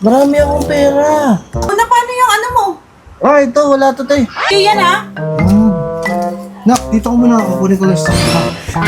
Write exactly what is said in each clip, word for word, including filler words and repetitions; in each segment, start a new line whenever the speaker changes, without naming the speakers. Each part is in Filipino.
Marami akong pera.
Una, paano yung ano mo?
Ah, ito, wala to, te.
Okay, yan ha?
Hmm. Nak, dito ko muna. Kukunin ko lang sa stock.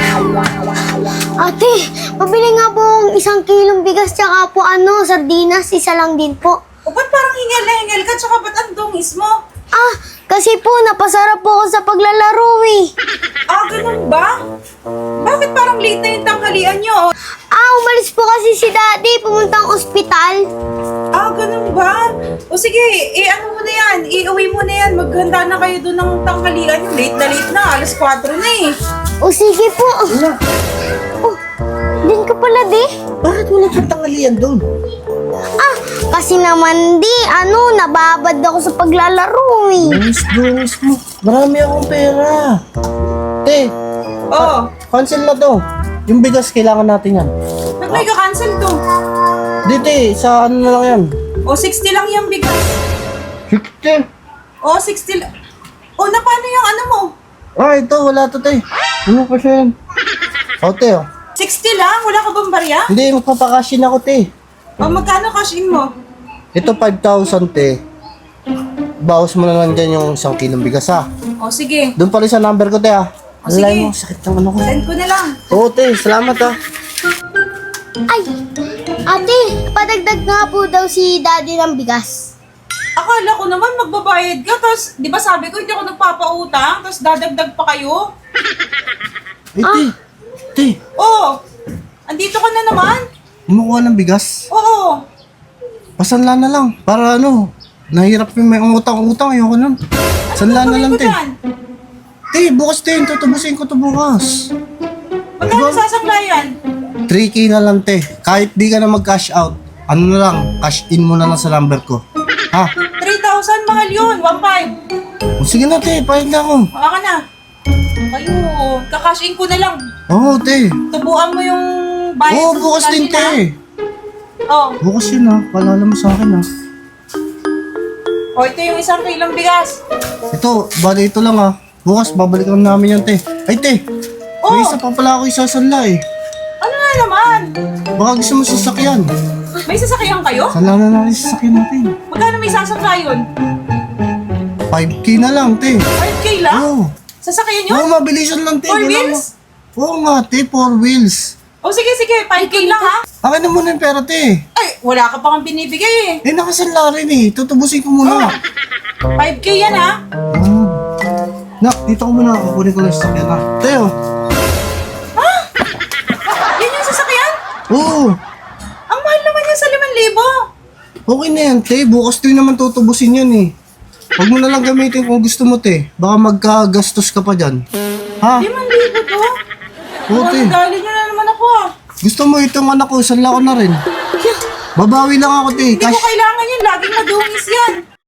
Ate, pabili nga po ng isang kilong bigas tsaka po ano, sardinas, isa lang din po.
O ba't parang hingal na hingal ka, tsaka ba't ang dungis mo?
Ah, kasi po napasarap po ako sa paglalaro eh.
Ah, ganun ba? Bakit parang late na yung tanghalian nyo?
Ah, umalis po kasi si Daddy, pumuntang ospital.
Ah, ganun ba? O sige, eh ano mo na yan, iuwi mo na yan, maghanda na kayo doon ng tanghalian nyo. Late na late na, alas kwatro na eh.
O sige po.
Nak,
Oh, din ka pala di?
bakit wala kang tanghalian doon?
Ah, kasi naman di, ano, nababad ako sa paglalaro eh.
Dungis, dungis mo. Marami akong pera. Te,
Oo,
cancel na to. Yung bigas, kailangan natin yan.
ba't may ka-cancel to?
Di, te, sa ano na lang yan?
O sixty lang yung bigas.
sixty.
O sixty lang. O na paano yung ano mo?
Ah, ito, wala to, te. Ano pa siya yan? O, te, oh.
sixty lang? Wala ka bang barya?
Hindi, magpapakashin ako, te.
O magkano cash in mo?
Ito, five thousand, te. Bawas mo na lang dyan yung isang kilong bigas, ha?
O sige,
Doon pa rin sa number ko, te, ha?
O, sige.
Alay mo, sakit ng ano ko.
send ko na lang.
Oo, te, salamat, ha?
Ay, ate, padagdag nga po daw si Daddy ng bigas.
Akala ko naman magbabayad ka, tapos di ba sabi ko hindi ako nagpapautang, tapos dadagdag pa kayo?
Eh, te, te,
Oo, andito ka na naman?
kumukuha ng bigas.
Oo.
Pasanla na lang, para ano, nahirap yung may utang-utang, ayoko nun. Sanla na lang, te. Te, bukas, te, tutubusin ko to bukas.
Magkano sasanglayan?
three K na lang, te. Kahit di ka na mag-cash out, ano na lang, cash in mo na lang sa number ko. Ha?
three thousand, mahal yun, one five.
O, sige na, te, pahig na ako.
Baka ka na. Kayo, kakash in ko na lang.
Oo, te.
Tubuan mo yung bayad.
Oo,
sa
bukas din,
kanila.
te.
Oo.
Bukas yun, ha. Paalala mo sa akin, ha.
O, ito yung isang kilong bigas.
Ito, bali ito lang, ha. Bukas, babalikan namin yan, te. Ay, te. May
Oh.
isa pa pala ako isasanla, eh.
Ano na naman?
Baka gusto mo sasakyan.
May sasakyan kayo?
Sanla na natin sa sasakyan natin.
Magkano may sasanglayon?
five K na lang, te.
five K lang?
Oo.
Sasakyan yun?
Oo, mabilisan lang, te.
Four
Wala
wheels?
mo- Oo nga, te. Four wheels.
O sige, sige, five K lang ha?
Akin na muna yung pera, te.
Ay, wala ka pa kang binibigay eh.
Eh, nakasanla rin, eh. Tutubusin ko muna.
five K yan ha?
Hmm. Nak, dito ko muna. Kukunin ko lang sa sasakyan, ha. Teo.
Yan yung sasakyan?
Oo.
Ang mahal naman yan sa limang libo.
Okay na yan, te. Bukas din naman tutubusin yan, eh. Huwag mo na lang gamitin kung gusto mo, te. Baka magkagastos ka pa dyan. Ha?
limang libo to?
Oo, te.
Dali nyo na naman ako ah.
Gusto mo itong anak ko, sanla ko na rin. Babawi lang ako, te.
Hindi ko kailangan yan, laging madungis yan.